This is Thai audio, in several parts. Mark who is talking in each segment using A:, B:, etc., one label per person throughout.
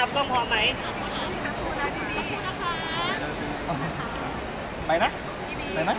A: กล้องพร้อมไหม
B: ไปนะไปไหม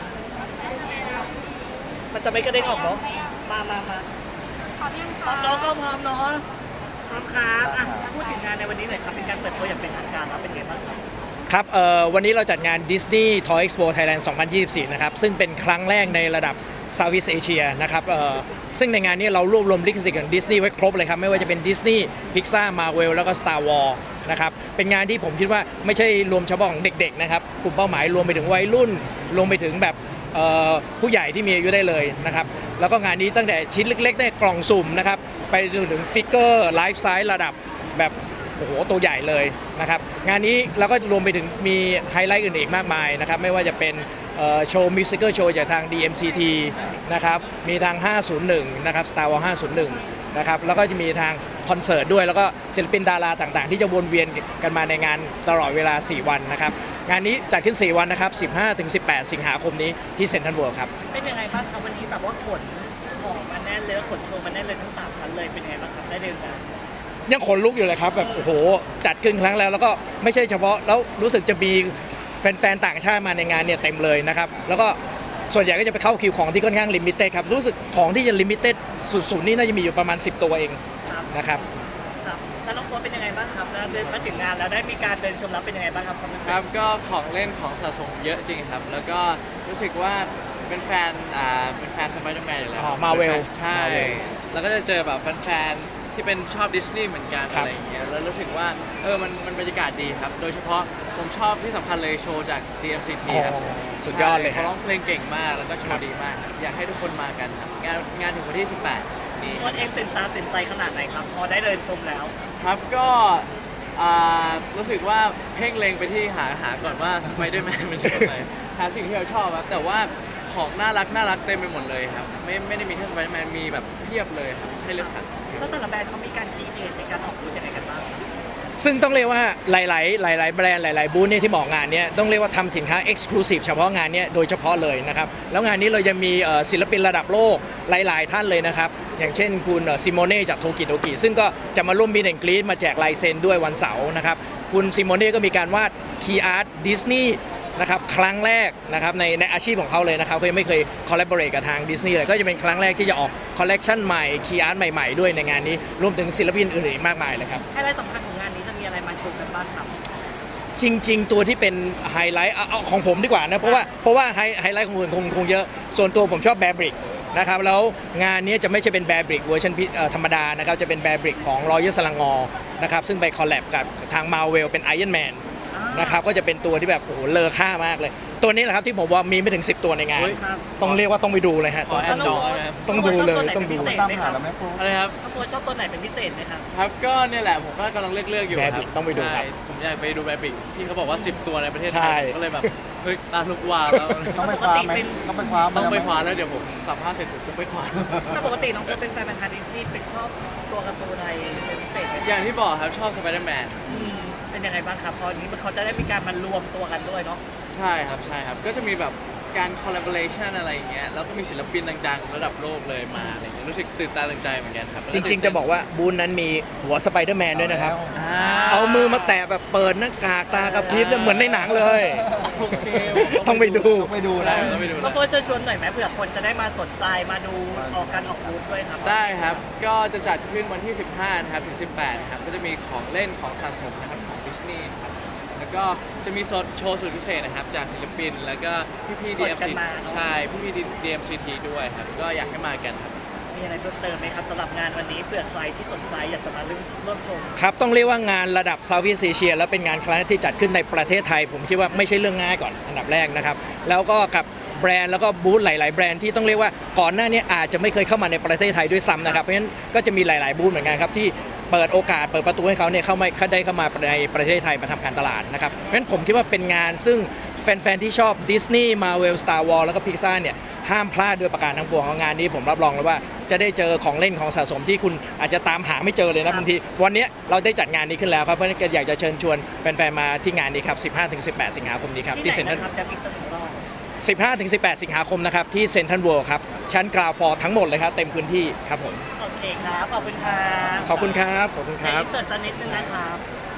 A: มันจะไม่กระเด้งออกเนาะมา
C: พร้อมยัง
A: พร้อ
C: คะ
A: มน้องก็พร้อมเนาะพร้อมครับอ่ะพูดถึงงานในวันนี้หน่อยครับเป็นการเปิดตัวอย่างเป็นทางการครับเป็นไงบ้างครับ
D: ครับวันนี้เราจัดงาน Disney Toy Expo Thailand 2024 นะครับซึ่งเป็นครั้งแรกในระดับ Southeast Asia นะครับซึ่งในงานนี้เรารวบรวมลิขสิทธิ์ของ Disney ไว้ครบเลยครับไม่ว่าจะเป็น Disney Pixar Marvel แล้วก็ Star Wars นะครับเป็นงานที่ผมคิดว่าไม่ใช่รวมเฉพาะของเด็กๆนะครับกลุ่มเป้าหมายรวมไปถึงวัยรุ่นรวมไปถึงแบบผู้ใหญ่ที่มีอายุได้เลยนะครับแล้วก็งานนี้ตั้งแต่ชิ้นเล็กๆในกล่องสุ่มนะครับไปจนถึงฟิกเกอร์ไลฟ์ไซส์ระดับแบบโอ้โหตัวใหญ่เลยนะครับงานนี้เราก็รวมไปถึงมีไฮไลท์อื่นอีกมากมายนะครับไม่ว่าจะเป็นโชว์มิวสิคโชว์จากทาง DMCT นะครับมีทาง 501 นะครับ Star Wars 501 นะครับแล้วก็จะมีทางคอนเสิร์ตด้วยแล้วก็ศิลปินดาราต่างๆที่จะวนเวียนกันมาในงานตลอดเวลา 4 วันนะครับงานนี้จัดขึ้น 4 วันนะครับ 15-18 สิงหาคมนี้ที่เซ็นทรัลเวิลด์ครับ
A: เป็นยังไงบ้างครับวันนี้แบบว่าขนของมาแน่นเลยขนโชว์มาแน่นเลยทั้ง3ชั้นเลยเป็นยังไงบ้างครับได้เดินกัน
D: ยังขนลุกอยู่เลยครับแบบโอ้โหจัดขึ้นครั้งแล้วก็ไม่ใช่เฉพาะแล้วรู้สึกจะมีแฟนๆต่างชาติมาในงานเนี่ยเต็มเลยนะครับแล้วก็ส่วนใหญ่ก็จะไปเข้าคิวของที่ค่อนข้างลิมิเต็ดครับรู้สึกของที่จะลิมิเต็ดสุดๆนี่น่าจะมีอยู่ประมาณ10 ตัวเองนะครับ
A: ครับแล้วน้องโค้ชเป็นยังไงบ้างครับแล้วเดินมาถึงงานแล้วได้มีการเดินชมแล้วเป็นยังไงบ้างครับ
E: ครับก็ของเล่นของสะสมเยอะจริงครับแล้วก็รู้สึกว่าเป็นแฟนสไปเดอร์แมนอยู่แล้ว
D: มาเวล
E: ใช่แล้วก็จะเจอแบบแฟนที่เป็นชอบดิสนีย์เหมือนกันอะไรอย่างเงี้ยแล้วรู้สึกว่ามันบรรยากาศดีครับโดยเฉพาะผมชอบที่สำคัญเลยโชว์จาก DMCT ครับ
D: สุดยอดเลย
E: เขาร้องเพลงเก่งมากแล้วก็โชว์ดีมากอยากให้ทุกคนมากันครับงานถึงวันที่ 18 นี้
A: วันเองตื่นตาตื่นใจขนาดไหนครับพอได้เดินชมแล้ว
E: ครับก็รู้สึกว่าเพ่งเล็งไปที่หาก่อนว่าสไปเดอร์แมนเป็นยังไงหาสิ่งที่เราชอบครับแต่ว่าของน่ารักเต็มไปหมดเลยครับไม่ได้มีแค่สไปเดอร์แมนมีแบบเพียบเลยครับให้เลือกสรร
A: แล้วแต่ละแบรนด์เขามีการคิดเองในการออกรูปยังไงกันบ้าง
D: ซึ่งต้องเรียกว่าหลายแบรนด์หลายบูธเนี่ยที่บอกงานนี้ต้องเรียกว่าทำสินค้า Exclusive เฉพาะงานนี้โดยเฉพาะเลยนะครับแล้วงานนี้เราจะมีศิลปินระดับโลกหลายท่านเลยนะครับอย่างเช่นคุณซิโมเน่จากโทกิโดกิซึ่งก็จะมาร่วมมีแอนกรีดมาแจกลายเซ็นด้วยวันเสาร์นะครับคุณซิโมเน่ก็มีการวาดคีย์อาร์ตดิสนีย์นะครับครั้งแรกนะครับในอาชีพของเขาเลยนะครับเขายังไม่เคยคอลแลบอเรทกับทางดิสนีย์เลยก็จะเป็นครั้งแรกที่จะออกคอลเลกชันใหม่คีย์อาร์ตใหม่ๆด้วยในงานนี้รวมถึงศิลปินอื่นๆมากมายเลยครับ
A: ไฮไลท์สำคัญของงานนี้จะมีอะไรมาโชว์กันบ้างครับ
D: จริงๆตัวที่เป็นไฮไลท์เอาของผมดีกว่านะเพราะว่าไฮไลท์ของคนคงเยอะส่วนตัวผมชอบแบร์บริกนะครับแล้วงานนี้จะไม่ใช่เป็นแบร์บริกเวอร์ชันธรรมดานะครับจะเป็นแบร์บริกของรอยัลสลังงอนะครับซึ่งไปคอลแลบกับทางมาเวลเป็นไอรอนแมนนะครับก็จะเป็นตัวที่แบบโอ้โหเลอค่ามากเลยตัวนี้แหละครับที่ผมว่ามีไม่ถึง10 ตัวในงานต้องเรียกว่าต้องไปดูเลยฮะต้องดูเลยต้องดู
B: ตามหาแล้วไหมฟู
E: อะไรครับ
A: น้องโค้ชชอบตัวไหนเป็นพิเศษไหมครับ
E: ครับก็เนี่ยแหละผมก็กำลังเลือกอยู่ครับ
D: ต้องไปดูครับ
E: ผมอยากไปดูแบบที่เขาบอกว่า10 ตัวในประเทศไทยก็เลยแบบเฮ้ยตาลุกวาวแล้ว
B: ต้องไปคว้าไหมต้องไปคว้า
E: แล้วเดี๋ยวผมสัมภาษณ์เสร็จผมไปคว้า
A: ถ้าปกติน้องโค้ชเป็นแฟนพันธุ์ดิสนีย์เป็นชอบตัวการ์ตูนอะไรเป็นพิเศษ
E: อย่างที่บอกครับชอบสไปเดอร์แมน
A: เป็นยังไงบ้างครับพอนี้เขาจะได้มีการมารวมตัวกันด้วยเนาะ
E: ใช่ครับก็จะมีแบบการคอลลาบอเรชันอะไรอย่างเงี้ยแล้วก็มีศิลปินดังๆระดับโลกเลยมาอะไรอย่างเงี้ยรู้สึกตื่นตาตื่นใจเหมือนกันครับ
D: จริงๆจะบอกว่าบูธนั้นมีหัวสไปเดอร์แมนด้วยนะครับเอามือมาแตะแบบเปิดหน้ากากตากระพริบเหมือนในหนังเลย
E: โอเค
D: ต้องไปดู
B: นะ
A: ก็เพื่อเชิญชวนหน่อยไหมเผื่อคนจะได้มาสนใจมาดูออกการออกบูธด้วยครับ
E: ได้ครับก็จะจัดขึ้นวันที่15นะครับถึง18ครับก็จะมีของเล่นของสะสมนะครับของดิสนีย์แล้วก็จะมีโชว์สุดพิเศษนะครับจากศิลปินแล้วก็พี่ DMCT ใช่พี่ DMCT ด้วยครับก็อยากให้มากันครับ
A: มีอะไรเพิ่มเติมไหมครับสำหรับงานวันนี้เผื่อใครที่สนใจอยากจะมาร่วมชม
D: ครับต้องเรียกว่างานระดับ Southeast Asia และเป็นงานครั้งแรกที่จัดขึ้นในประเทศไทยผมคิดว่าไม่ใช่เรื่องง่ายก่อนอันดับแรกนะครับแล้วก็กับแบรนด์แล้วก็บูธหลายๆแบรนด์ที่ต้องเรียกว่าก่อนหน้านี้อาจจะไม่เคยเข้ามาในประเทศไทยด้วยซ้ำนะครับเพราะฉะนั้นก็จะมีหลายๆบูธเหมือนกันครับที่เปิดโอกาสเปิดประตูให้เขาเนี่ยเข้ามาในประเทศไทยมาทำการตลาดนะครับเพราะฉะนั้นผมคิดว่าเป็นงานซึ่งแฟนๆที่ชอบดิสนีย์มาเวลสตาร์วอร์แล้วก็พิกซ่าเนี่ยห้ามพลาดโดยประการทั้งปวงของงานนี้ผมรับรองเลยว่าจะได้เจอของเล่นของสะสมที่คุณอาจจะตามหาไม่เจอเลยนะบางทีวันนี้เราได้จัดงานนี้ขึ้นแล้วครับเพราะฉะนั้นอยากจะเชิญชวนแฟนๆมาที่งานนี้ครับ 15-18 สิงหาคมนี้ครับที่เซ็นทรัล15-18 สิงหาคมนะครับที่เซ็นทรัลเวิลด์ครับชั้นกราวฟอร์ทั้งหมดเลยครับเต็มพื้นที่ครับผม
A: โอเคครับขอบคุณครับ
D: ขอบคุณครับ
A: เสิร์ฟสักนิดนึงนะครับ